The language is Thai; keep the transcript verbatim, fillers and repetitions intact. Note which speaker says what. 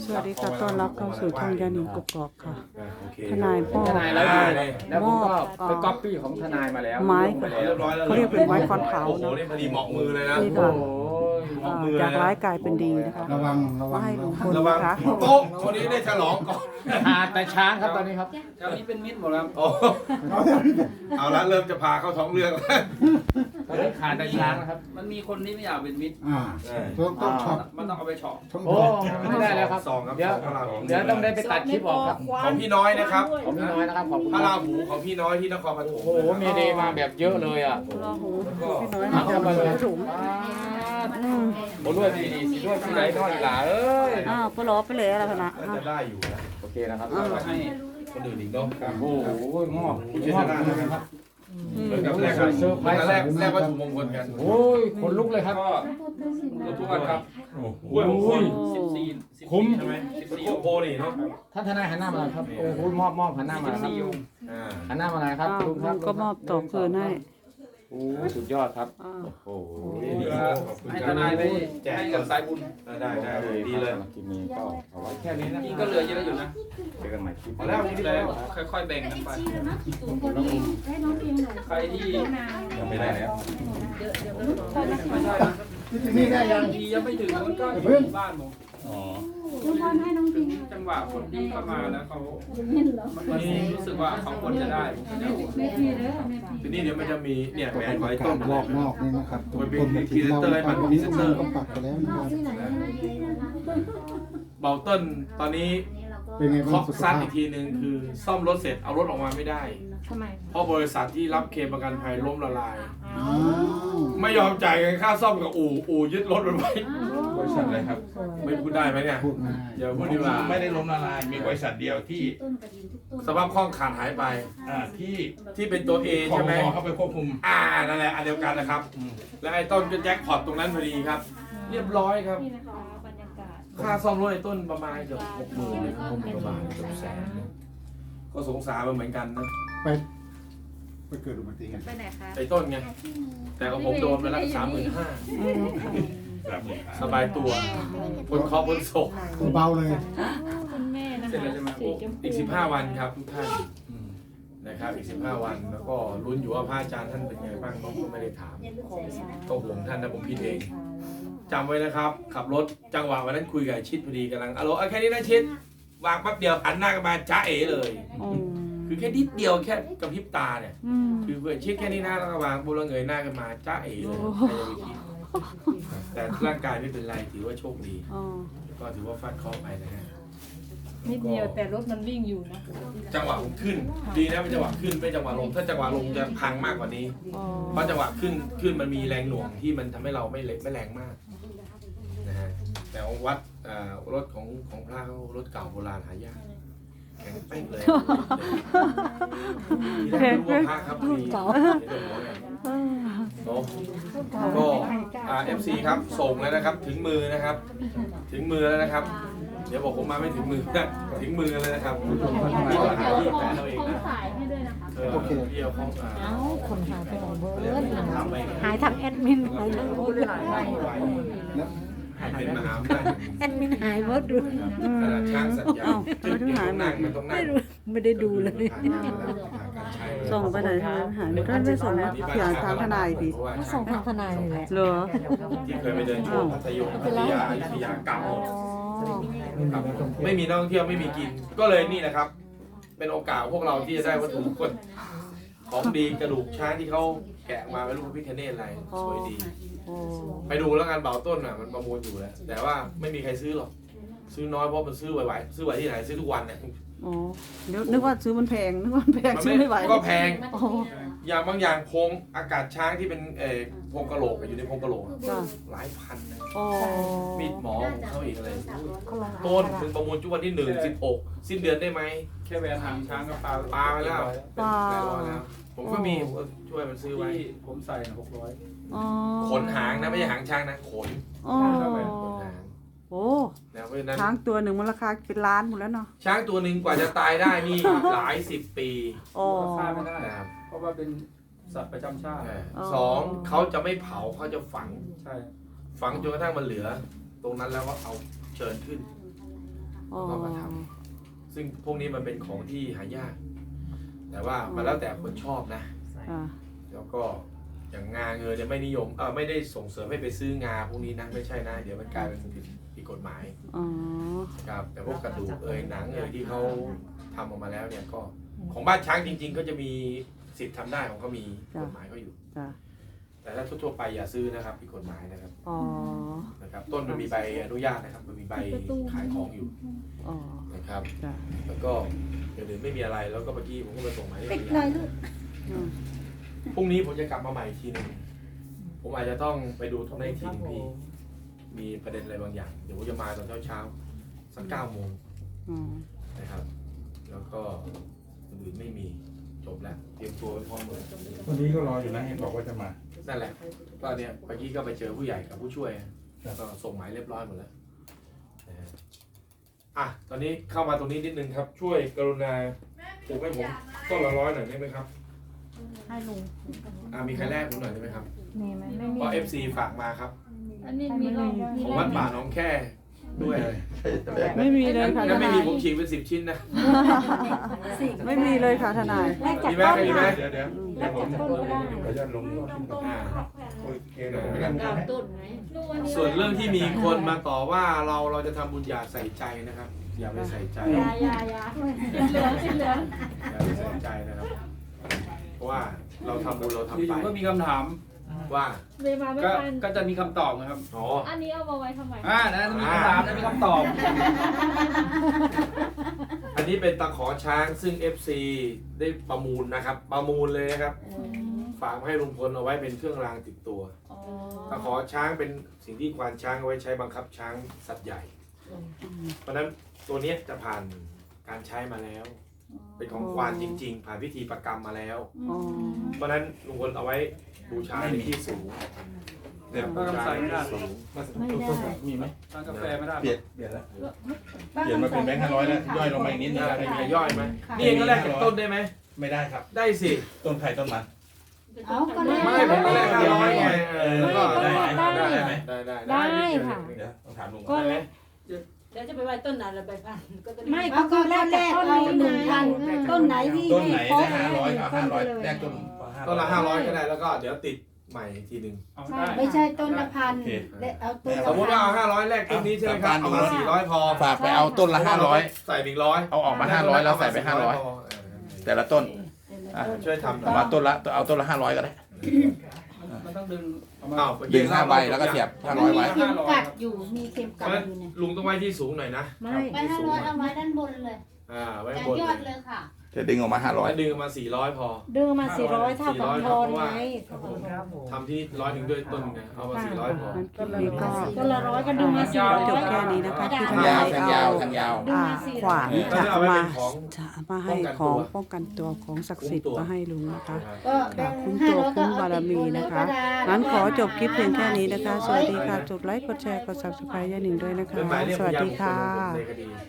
Speaker 1: สวัสดีค่ะต้อนรับเข้าสู่ช่องยานิงกกอกค่ะ
Speaker 2: โอเค
Speaker 1: ทนายพ่อ
Speaker 3: ทนายแล้วแล้วผมก็ไปก๊อปปี้ของทนายมาแล้ว
Speaker 1: ไม้
Speaker 3: ลงไปแล้ว
Speaker 2: เรียบร้อยแล้ว
Speaker 1: เขาเรียกเป็นไม้คอนขาว
Speaker 2: โอ้โห
Speaker 1: เนาะ
Speaker 2: นี่พอดีเหมาะมือเลยนะ
Speaker 1: นี่
Speaker 3: โอ้
Speaker 1: ค่ะ
Speaker 3: โห
Speaker 2: เหมาะมือ
Speaker 1: จาก
Speaker 2: นะ
Speaker 1: ร้ายกลายเป็นดีนะคะ
Speaker 4: ระวังระวั
Speaker 1: มาง ให้ลุงพล
Speaker 2: ระวัง
Speaker 1: นะคะ
Speaker 2: โต๊ะคนนี้ได้ฉลองก่อน
Speaker 3: หาแต่ช้างครับตอนนี้ครับ
Speaker 5: แถวนี้เป็นมิตรหมดแล้ว
Speaker 2: โอ้เอาละเริ่มจะพาเข้าท้องเรื่องแล้ว
Speaker 3: ตอนนี้ขาดแต่ช้างนะครับ
Speaker 5: มันมีคนที่ไม่อยากเป็นมิตร
Speaker 4: อ่าต้องต้องช็อต
Speaker 5: มันต้องเอาไปเฉาะ
Speaker 4: ต้อง
Speaker 3: โอ้
Speaker 4: ช็อต
Speaker 3: ไม่ได้แล้วครับ
Speaker 2: ซองครับ
Speaker 3: เดี๋ยว
Speaker 2: พระราหู
Speaker 3: เดี๋ยวต้องได้ไปตัดคลิปออกครับ
Speaker 2: ของพี่น้อยนะครับ
Speaker 3: ของพี่น้อยนะครับขอบคุณ
Speaker 2: พระ
Speaker 3: ค
Speaker 2: รา
Speaker 3: รับ
Speaker 2: หูของพี่น้อยที่นครปฐม
Speaker 3: โอ้โหมีเดย์มาแบบเยอะเลยอ่ะ
Speaker 1: รอหูพี่น้อย
Speaker 3: เอา
Speaker 1: นะจะ
Speaker 3: เข้า
Speaker 1: มา
Speaker 3: มาเลย
Speaker 1: ถุง
Speaker 3: อืมโอ้ด้วยพี่ดีสิด้วยพี่ไหนน้อยหล่าเอ้ย
Speaker 1: อ้าวปลอไปเลยอะไรขนาด
Speaker 2: น่าจะได้อยู่นะ
Speaker 3: โอเคนะครับ
Speaker 5: ให้
Speaker 2: คนอื่นอีกเนาะ
Speaker 3: โอ้โหงอก
Speaker 2: คุณ
Speaker 3: ง
Speaker 2: เช
Speaker 3: อก
Speaker 2: ษฐานะครับเหมือนกับแรก
Speaker 3: เซอร์ไพรส์
Speaker 2: แรกแรกวัตถุมงคลกัน
Speaker 3: โอ้ยขนลุกเลยครับ
Speaker 5: ก็หลวงทุกวันครับ
Speaker 2: กล้วยมงคล
Speaker 5: สิบสี่สิบ
Speaker 3: คุ้ม
Speaker 5: ใช่ไหมสิบ
Speaker 2: เป็น
Speaker 5: สี่
Speaker 2: โคโพนี่เนาะ
Speaker 3: ท่านทนายหันหน้ามาหน่อยครับโอ้โหมอบมอบหันหน้ามาครับ
Speaker 2: อ่า
Speaker 3: หันหน้ามาหน่อยครับ
Speaker 1: อ้าว
Speaker 3: ลุงค
Speaker 1: ลุ
Speaker 3: รับ
Speaker 1: งก็มอบต่อคืนให้
Speaker 3: โอ้สุดยอดครับ
Speaker 1: อ้าว
Speaker 3: โอ้โห
Speaker 2: ดีครับขอบคุณ
Speaker 5: ให้
Speaker 2: ค
Speaker 5: ท
Speaker 2: รับ
Speaker 5: นายไปให้กับสายบุญ
Speaker 2: ได้ได้ดีเลย
Speaker 3: คลิปนี้ก็เอาไว้แค่นี้นะ
Speaker 5: นี่ก็เหลือเยอะอยู่นะ
Speaker 3: เจอกันใหม่คลิปห
Speaker 2: มา
Speaker 3: น้า
Speaker 2: แล้วนี่
Speaker 5: แล้
Speaker 2: แล้ว
Speaker 5: วค่อยๆแบ่งกันไป
Speaker 6: ให้น้องพิมหน่อย
Speaker 5: ใครที่
Speaker 3: ยังไม่ได้แล้ว
Speaker 5: ไม่ใช่นะ
Speaker 4: นี่ได้ยัง
Speaker 5: ทียังไม่ถึงมันก็อยู่บ้านผม
Speaker 3: อ๋อ
Speaker 6: ทุกคนให้น้องพิม
Speaker 5: จังหวะคนที่เข้ามาแล้วเขา
Speaker 6: เห็นเหรอ
Speaker 5: มันรู้สึกว่าเขาควรจะได้ผมจะเอา
Speaker 6: แม่พี่เด้อแม่พี่
Speaker 2: ทีนี้เดี๋ยวมันจะมีเนี่ย
Speaker 4: ก็
Speaker 2: แหว
Speaker 4: เป็น น
Speaker 2: ไว้
Speaker 4: กา
Speaker 2: ต้
Speaker 4: ร
Speaker 2: น
Speaker 4: รอบนอกนี่นะครับ
Speaker 2: มันเป็น
Speaker 4: คนมา
Speaker 2: พรี
Speaker 4: ถึง
Speaker 2: เซน
Speaker 4: เรา
Speaker 2: เตอร์ให้มัน
Speaker 4: วัน
Speaker 2: พรี
Speaker 4: นี้
Speaker 2: เซ
Speaker 4: ทุ
Speaker 2: น
Speaker 4: ก
Speaker 2: เต
Speaker 4: ค
Speaker 2: อน ร์
Speaker 4: ก็ปักไปแล้วนะครับ
Speaker 6: ที่ไหนให้น้องพิมนะคะ
Speaker 2: เบาเติ้ลตอนนี้
Speaker 4: เป็นไง
Speaker 2: เค
Speaker 4: บ้าง
Speaker 2: าะ
Speaker 4: สุข
Speaker 2: ซัด
Speaker 4: ภาพ
Speaker 2: อีกทีหนึ่งคือซ่อมรถเสร็จเอารถออกมาไม่ได้
Speaker 6: ทำไม
Speaker 2: เพราะบริษัทที่รับเคลมประกันภัยล้มละลาย
Speaker 4: อ้าว
Speaker 2: ไม่ยอมจ่ายเงินค่าซ่อมกับอู่อู่ยึดรถมันไว้
Speaker 7: บริษัทอะไรครับ
Speaker 2: ไม่พูดได้ไหมเนี่ย
Speaker 4: พูดง่าย
Speaker 2: อย่าพูดดีกว่า
Speaker 7: ไม่ได้ล้มละลาย มีบริษัทเดียวที่
Speaker 6: ต้นกระดิ่งทุกต้น
Speaker 2: สภาพคล่องขาดหายไป
Speaker 7: อ่าที่
Speaker 2: ที่เป็นตัว A
Speaker 7: คอ
Speaker 2: ใช่ไหม
Speaker 7: มเข้าไปควบคุม
Speaker 2: อ่านั่นแหละอันเดียวกันนะครับ และไอ้ต้นก็แจ็คพอตตรงนั้นพอดีครับ เรียบร้อยครับ
Speaker 6: นี่นะคะบรรยากาศ
Speaker 2: ค่าซ่อมรถไอ้ต้นประมาณเกือบหกหมื่นเลยหกหมื่นกว่าบาทเกือบแสนเลยก็สงสารมันเหมือนกันนะ
Speaker 4: ไปไปเกิดอุบัติเหตุ
Speaker 6: ไปไหนคะ
Speaker 2: ไอ้ต้นไงแต่ของผมโดนไปแล้วสามหมื่นห้าสบายตัวพ้นเคราะห์พ้นโศก
Speaker 4: เบาเลย
Speaker 6: คุณแม่นะ
Speaker 5: เสร็จ
Speaker 6: คะ
Speaker 5: แล้วใช่ไหม
Speaker 6: สีชมพู
Speaker 2: อีกสิบห้าวันครับทุกท่านนะครับอีกสิบห้าวันแล้วก็ลุ้นอยู่ว่าพระอาจารย์ท่านเป็นไงบ้างน้องก็ไม่ได้ถามก็ห่วงท่านนะผมผิดเองจำไว้นะครับ ขับรถจังหวะวันนั้นคุยกับไอ้ชิดพอดีกำลังอะโหลเอาแค่นี้นะชิดวางแป๊บเดียวหันหน้ากันมาจ้าเอ๋เลย
Speaker 1: อืม
Speaker 2: คือแค่นิดเดียวแค่กระพริบตาเนี่ย
Speaker 1: อืม
Speaker 2: คือเพื่อนชิดแค่นี้นะแล้วก็วางบุรเงยหน้ากันมาจ้าเอ๋เลยใครจะไปคิดแต่ร่างกายไม่เป็นไรถือว่าโชคดี
Speaker 1: อ๋อ
Speaker 2: ก็ถือว่าฟาดเคราะห์ไปนะฮะ
Speaker 8: นิดเดียวแต่รถมันวิ่งอยู่นะ
Speaker 2: จังหวะผมขึ้น ดีนะเป็นจังหวะขึ้นไม่จังหวะลงถ้าจังหวะลงจะพังมากกว่านี้
Speaker 1: อ๋อ
Speaker 2: เพราะจังหวะขึ้นขึ้นมันมีแรงหน่วงที่มันทำให้เราไม่เล็กไม่แรงมากนะฮะแต่ของวัดอ่ารถของของพระเขารถเก่าโบราณหายากแข็งเป้งเลยทีแรกรู้ว่าพระครับมีเนาะก็อ่าเอฟซีครับส่งแล้วนะครับ ถึงมือนะครับ ถึงมือแล้วนะครับ เดี๋ยวบอกผมมาไม่ถึงมือนะถึงมือเลยนะครับพี่ก็หาที่แฟนเราเองนะ
Speaker 6: สายให้ด้วยนะคะ
Speaker 2: เออพี่เอาของอ่า
Speaker 8: เอ้า คนหายไปไหนเบิร์ด
Speaker 2: ทำไป
Speaker 8: หายทางแอดมินหายทางโอ้ย
Speaker 4: แล้ว
Speaker 2: ให้เป็นมหาอำนาจ
Speaker 8: แอดมินหายเบิร์ดดู
Speaker 2: ขนาดช่างสัญญาจุดเดียวนั่งมันต้องนั่ง
Speaker 8: ไม่ได้ดูเลย
Speaker 1: ส่งไปไหนทางหายท่านไม่ส่งมาอย่างทางทนายดิ
Speaker 8: ส่งทางทนายเลยแหละ
Speaker 1: เหรอ
Speaker 2: ที่เคยไปเดินช่วงพัทยมพัทยาอยุธยาเก่าครับไม่มีนักท่องเที่ยวไม่มีกิน ก็เลยนี่แหละครับ เป็นโอกาสพวกเราที่จะได้วัตถุมงคลของดีกระดูกช้างที่เขาแกะมาเป็นรูปพระพิฆเนศอะไรสวยดี
Speaker 1: โอ้
Speaker 2: ไปดูแล้วกันเบาต้นอ่ะมันประมูลอยู่แล้วแต่ว่าไม่มีใครซื้อหรอกซื้อน้อยเพราะมันซื้อไหวๆซื้อไหวที่ไหนซื้อทุกวันเนี่ย
Speaker 1: อ๋อเดี๋ยวนึกว่าซื้อมันแพงนึกว่ามันแพง
Speaker 2: มัน
Speaker 1: ซื้อไม่ไหว
Speaker 2: ก็แพง
Speaker 1: อ๋อ
Speaker 2: อย่างบางอย่างโครงอากาศช้างที่เป็นเอ่อโครงกะโหลกอยู่ในโครงกะโหลกอะ
Speaker 1: จ้ะ
Speaker 2: หลายพันนะ
Speaker 1: อ๋อ
Speaker 2: มีดหมอของเขาอีกอะไรต้นถึงประมูลจุวันที่หนึ่งสิบหกสิ้นเดือนได้ไหม
Speaker 5: แค่แวะทางช้างกับปลา
Speaker 2: ปลาไปแล้ว
Speaker 1: ปลา
Speaker 2: แปดร้อยแล้วผมก็มีผมก็ช่วยมันซื้อไว้
Speaker 5: ที่ผมใส่หกร้อย
Speaker 1: อ๋อ
Speaker 2: ขนหางนะไม่ใช่หางช้างนะขน
Speaker 1: อ๋อ
Speaker 2: ขนหาง
Speaker 1: โอ้
Speaker 2: นะเพราะฉะนั้น
Speaker 1: ช้างตัวหนึ่งมันราคาเป็นล้านหมดแล้วเนาะ
Speaker 2: ช้างตัวหนึ่งกว่าจะตายได้นี่ หลายสิบปี
Speaker 1: อ๋อ
Speaker 5: ค่าไม่ได้
Speaker 2: นะครับ
Speaker 5: เพราะว่าเป็นสัตว์ประจำชาติ
Speaker 2: เออ
Speaker 1: อ๋อ
Speaker 2: สองเขาจะไม่เผาเขาจะฝัง
Speaker 5: ใช่
Speaker 2: ฝังจนกระทั่งมันเหลือ ตรงนั้นแล้วก็เอาเชิญขึ้นซึ่งพวกนี้มันเป็นของที่หายาก แต่ว่ามันแล้วแต่คนชอบนะ
Speaker 1: อ่า
Speaker 2: แล้วก็อย่างงาเงยเนี่ยไม่นิยมเออไม่ได้ส่งเสริมให้ไปซื้องาพวกนี้นะไม่ใช่นะเดี๋ยวมันกลายเป็นผิดผิดกฎหมาย
Speaker 1: อ๋อ
Speaker 2: ครับแต่พวกกระดูกเอยหนังเอยที่เขาทำออกมาแล้วเนี่ยก็ของบ้านช้างจริง ๆ ก็จะมีสิทธิ์ทำได้ของเขามีกฎหมายเขาอยู่
Speaker 1: จ้ะ
Speaker 2: แต่ถ้าทั่วๆไปอย่าซื้อนะครับผิดกฎหมายนะครับ
Speaker 1: อ๋อ
Speaker 2: นะครับต้นมันมีใบอนุญาตนะครับมันมีใบขายของอยู่
Speaker 1: อ๋อ
Speaker 2: นะครับ
Speaker 1: จ้ะ
Speaker 2: แล้วก็เดี๋ยวอื่นไม่มีอะไรแล้วก็เมื่อกี้ผมก็มาส่งหมายเลข
Speaker 8: ปิดเลยลูก
Speaker 1: อืม
Speaker 2: พรุ่งนี้ผมจะกลับมาใหม่อีกทีหนึงผมอาจจะต้องไปดูตรงนี้อีกทีหนึงพี่มีประเด็นอะไรบางอย่างเดี๋ยวผมจะมาตอนเช้าๆสักเก้าโมง
Speaker 1: อืม
Speaker 2: นะครับ แล้วก็อื่นๆไม่มีจบแล้วเตรียมตัวไว้พร้อมเลย
Speaker 7: วันนี้ก็รออยู่นะเห็นบอกว่าจะมา
Speaker 2: นั่นแหละก็เนี่ยเมื่อกี้ก็ไปเจอผู้ใหญ่กับผู้ช่วยแล้วก็ส่งหมายเรียบร้อยหมดแล้วนะฮะอ่ะตอนนี้เข้ามาตรงนี้นิดนึงครับ ช่วยกรุณาปลูกให้ผมต้นละร้อยหน่อยได้ไหมครับ
Speaker 8: ให้ลุง
Speaker 2: อ่ะมีใครแลกผมหน่อยได้ไหมครับ
Speaker 8: มีไหมไม่มี
Speaker 2: เพราะเอฟซีฝากมาครับ
Speaker 6: อันนี้มีรอบมี
Speaker 2: ของ
Speaker 6: รอ
Speaker 2: วั
Speaker 6: บ
Speaker 2: ดป่าหน้องแค่ด้วย
Speaker 1: ไม่มีเลยค่ะท
Speaker 2: ถ้าไม่
Speaker 1: นาย
Speaker 2: มีผมฉีกเป็นสิบชิ้นนะ
Speaker 1: ไม่มีเลยค่ะทนาย
Speaker 8: แลกจาก
Speaker 2: มีไหม
Speaker 8: ต้น
Speaker 2: มีไหม
Speaker 8: ค่ะ
Speaker 7: เดี๋ยวเดี๋ยว
Speaker 8: แลกจากต้นก็ได้
Speaker 7: ขออนุญาตลง
Speaker 2: อ่า
Speaker 7: โอเคเดี๋ยวผมจะ
Speaker 6: ดาวต้นไงลูกวันนี้
Speaker 2: ส่วนเรื่องที่มีคนมาต่อว่าเราเราจะทำบุญอย่าใส่ใจนะครับ อย่าไปใส่ใจ
Speaker 6: ยายายาเหลืองสีเหลือง
Speaker 2: อย่าไปใส่ใจนะครับ เพราะว่าเราทำบุญเราทำ
Speaker 5: อ
Speaker 2: ไป
Speaker 5: ยู่ๆก็มีคำถาม
Speaker 2: ว่า
Speaker 6: เลยมาไม่
Speaker 5: ก็
Speaker 6: ทัน
Speaker 5: ก็จะมีคำตอบนะครับ
Speaker 2: อ๋อ
Speaker 6: อันนี้เอามาไว้ทำไม
Speaker 5: อ่านะมีคำถามนะมีคำตอบ
Speaker 2: อันนี้เป็นตะขอช้างซึ่ง เอฟ ซี ได้ประมูลนะครับ ประมูลเลยนะครับ ฝากมาให้ลุงพลเอาไว้เป็นเครื่องรางติดตัว
Speaker 6: อ๋อ
Speaker 2: ตะขอช้างเป็นสิ่งที่ควานช้างเอาไว้ใช้บังคับช้างสัตว์ใหญ่ เพราะฉะนั้นตัวเนี้ยจะผ่านการใช้มาแล้ว เป็นของควานจริง ๆ ผ่านพิธีประกรรมมาแล้ว
Speaker 1: อ๋อ
Speaker 2: เพราะฉะนั้นลุงพลเอาไว้บูชาในที่สูง
Speaker 7: เดี๋ยว
Speaker 2: บูชาในที่สูง
Speaker 7: มีไหม
Speaker 5: ทานกาแฟไม่ได้
Speaker 7: เปลี่ยนเปลี่ยนแล้วเปลี่ยนมาเป็นแบงค์ห้าร้อยแล้วย่อยลงมาอีกนิดนึง
Speaker 2: ได้
Speaker 7: ได้
Speaker 2: มี
Speaker 7: ไหม
Speaker 2: ใครย่อยไหมนี่เองก็แลกกับต้นได้ไหม
Speaker 7: ไม่ได้ครับ
Speaker 2: ได้สิ
Speaker 7: ต้นไข่ต้นมัน
Speaker 8: เอาก็ได้
Speaker 2: ไม่ผมก็แลกห้าร้อยไงเออแล้วก็
Speaker 7: ได้ไหมได้ไหม
Speaker 2: ได้ได้
Speaker 8: ได้ค่ะ
Speaker 7: เดี๋ยวต้องถามลุง
Speaker 8: ก็
Speaker 7: ก่อน
Speaker 8: แลก
Speaker 9: เดี๋ยวจะไปไว้ต้นนั้นแล้วไปพันก็จะ
Speaker 8: ไม่ก็คือแลกจากต้นนี้หนึ่งพันต้นไหนที่
Speaker 7: ต้นไหน
Speaker 8: ให้
Speaker 7: ได้
Speaker 8: ครบ
Speaker 7: ห้าร้อยเอาห้าร้อย
Speaker 8: ต้นไป
Speaker 7: แลก
Speaker 8: เล
Speaker 7: ต้
Speaker 8: ย
Speaker 7: น
Speaker 2: ต้นละห้าร้อยก็ได้แล้วก็เดี๋ยวติดใหม่อีกทีหนึ่ง
Speaker 5: เอาได้
Speaker 8: ไม่ใช่ต้นละพันเอาต้น
Speaker 2: สมมติว่าเอาห้าร้อยแลกต้นนี้ใช่ไหมครับเอามาสี่ร้อยพอ
Speaker 7: ฝากไปเอาต้นละห้าร้อย
Speaker 2: ใส่อีกร้อย
Speaker 7: เอาออกมาห้าร้อยแล้วใส่ไปห้าร้อยแต่ละต้นอ่ะ
Speaker 2: ช่วยทำหน่
Speaker 7: เอา
Speaker 2: อย
Speaker 7: มาต้นละเอาต้นละห้าร้อยก็ได้
Speaker 5: มันต้องดึงเอามา
Speaker 2: อ้าว
Speaker 7: ดึงห้าใบแล้วก็เสียบห้าร้อยไว้
Speaker 8: เข็มกัดอยู่มีเข็ม
Speaker 2: เพ
Speaker 8: กั
Speaker 2: ราะ
Speaker 8: ด
Speaker 2: ฉะนั้น
Speaker 8: อยู่เนี่ย
Speaker 2: ลุงต้องไว้ที่สูงหน่อยนะ
Speaker 8: ไม่
Speaker 9: ไปห้าร้อยเอาไว้ด้านบนเลย
Speaker 2: อ่าไว้
Speaker 9: อย่า
Speaker 2: บน
Speaker 9: ยอดเลยค่ะ
Speaker 7: จะดึงออกมาห้าร้อย
Speaker 2: แล้วดึงมาสี่ร้อยพอ
Speaker 8: เดินมาสี่ร้อยเท่ากับทอนไง
Speaker 2: ทำที่ร้อยหนึ่งด้วยต้นไงเอามาสี่ร้อยพอ
Speaker 1: งั้นคลิปนี้ก็
Speaker 8: ต้นละร้อยก็ดึงมาสี่ร้อย
Speaker 1: จบแค่นี้นะคะที่ท
Speaker 7: ทาง
Speaker 1: นาย
Speaker 7: าวทางยาว
Speaker 1: เอา
Speaker 7: ทางยาว
Speaker 1: อ่าขวาน
Speaker 2: ก็
Speaker 1: จะ
Speaker 2: เอาไว้
Speaker 1: มา
Speaker 2: เป็นของ
Speaker 1: จะมาให้ของป้องกันตัวของศักดิ์สิทธิ์มาให้ลุงนะคะ
Speaker 8: ก็แบ่ง
Speaker 1: คุ้ม
Speaker 8: ห้า
Speaker 1: ตัว
Speaker 8: ร้อยก็
Speaker 1: คุ้ม
Speaker 8: เอา
Speaker 1: บาร
Speaker 8: ติด
Speaker 1: มี
Speaker 8: บุญ
Speaker 1: นะคะ
Speaker 8: กระดาษ
Speaker 1: งั้นขอจบคลิปเพียงแค่นี้นะคะ สวัสดีค่ะ กดไลค์ กดแชร์ กด ซับสไครบ์ ย่าหนิงด้วยนะคะ
Speaker 2: เป็นหมายเรียก
Speaker 1: ส
Speaker 2: พ
Speaker 1: วัส
Speaker 2: ยาน
Speaker 1: ดี
Speaker 2: บุคคล
Speaker 1: ค่ะ
Speaker 2: ในคดี